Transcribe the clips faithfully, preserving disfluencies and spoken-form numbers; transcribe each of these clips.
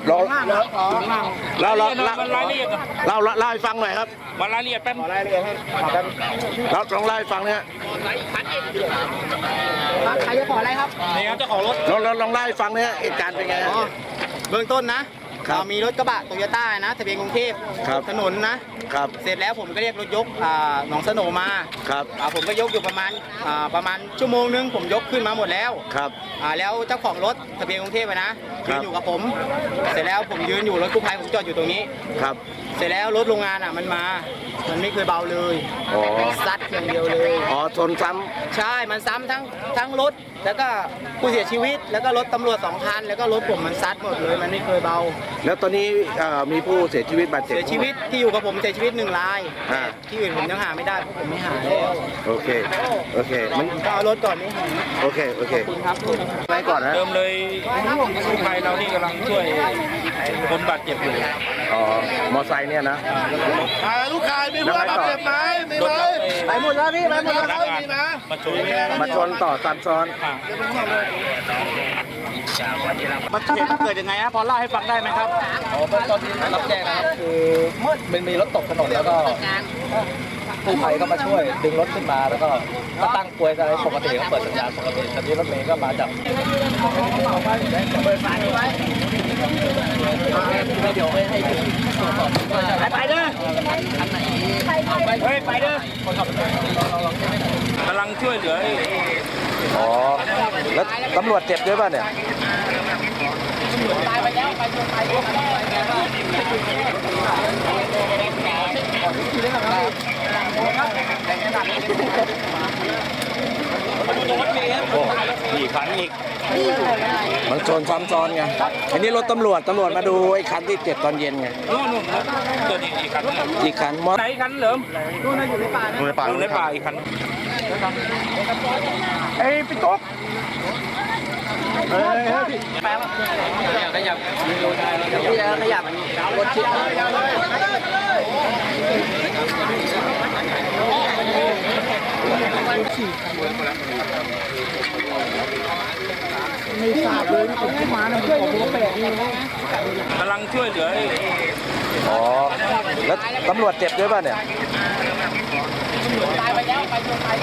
เราเราเราเรารายละเอียดเราเล่าให้ฟังหน่อยครับวันรายละเอียดแป๊บรายละเอียดให้เราลองเล่าให้ฟังเนี่ยใครจะขออะไรครับนี่ครับเจ้าของรถเราเราลองเล่าให้ฟังเนี่ยเหตุการณ์เป็นไงเบื้องต้นนะมีรถกระบะโตโยต้านะทะเบียนกรุงเทพถนนนะครับเสร็จแล้วผมก็เรียกรถยกหนองสโนมาครับผมก็ยกอยู่ประมาณประมาณชั่วโมงนึงผมยกขึ้นมาหมดแล้วครับแล้วเจ้าของรถทะเบียนกรุงเทพนะยืนอยู่กับผมเสร็จแล้วผมยืนอยู่รถกู้ภัยผมจอดอยู่ตรงนี้ครับเสร็จแล้วรถโรงงานอ่ะมันมามันไม่เคยเบาเลยอ๋อซัดอย่างเดียวเลยอ๋อชนซ้ำใช่มันซ้ำทั้งทั้งรถแล้วก็ผู้เสียชีวิตแล้วก็รถตำรวจสองคันแล้วก็รถผมมันซัดหมดเลยมันไม่เคยเบาแล้วตอนนี้มีผู้เสียชีวิตบาดเจ็บเสียชีวิตที่อยู่กับผมเสียชีวิตหนึ่งรายที่อื่นผมยังหาไม่ได้เพราะผมไม่หาแล้วโอเคโอเคมันก็เอารถก่อนนี่โอเคโอเคขอบคุณครับไปก่อนนะเดิมเลยกู้ภัยเรานี่กำลังช่วยคนบาดเจ็บอยู่อ๋อมอไซค์เนี่ยนะลูกชายมีผู้บาดเจ็บไหมมีไหมไปหมดแล้วพี่ไปหมดแล้วมีนะมาชนมาชนต่อซ้ำซ้อนมันเกิดยังไงฮะพอเล่าให้ฟังได้ไหมครับอ๋อตอนที่รับแจ้งนะครับคือมันมีรถตกถนนแล้วก็กู้ภัยก็มาช่วยดึงรถขึ้นมาแล้วก็ก็ตั้งกลวยอะไรปกติก็เปิดสัญญาณปกติตอนนี้รถเมย์ก็มาจับเปิดไฟไว้เดี๋ยวให้ตรวจสอบไปเด้อไปไปเด้อกำลังช่วยเหลืออ๋อแล้วตำรวจเจ็บด้วยป่ะเนี่ยตายไปแล้วไปชนไปอีกคันอีกมันชนซ้ำซ้อนไงอันนี้รถตำรวจตำรวจมาดูไอ้คันที่เจ็บตอนเย็นไงนู่นนู่นเกิดอีกคันอีกคันมอไหนคันเหลิมนู่นอยู่ในป่าอยู่ในป่าอยู่ในป่าอีกคันไอ้ปิ๊กต๊อกเฮ้ยพี่แป๊บขยับขยับขยับรถชิดไม่ทราบเลยนะผมที่มานะผมผมก็แปลกนี่นะกำลังช่วยเหลืออ๋อแล้วตำรวจเจ็บด้วยป่ะเนี่ยตายไปแล้วไปชนไป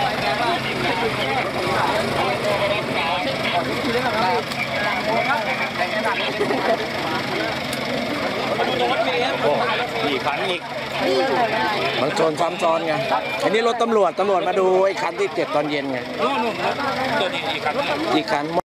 อีกคันอีกมันชนซ้ำซ้อนไงอันนี้รถตำรวจตำรวจมาดูไอ้คันที่เจ็บตอนเย็นไงนู่นนู่นเกิดอีกคันอีกคัน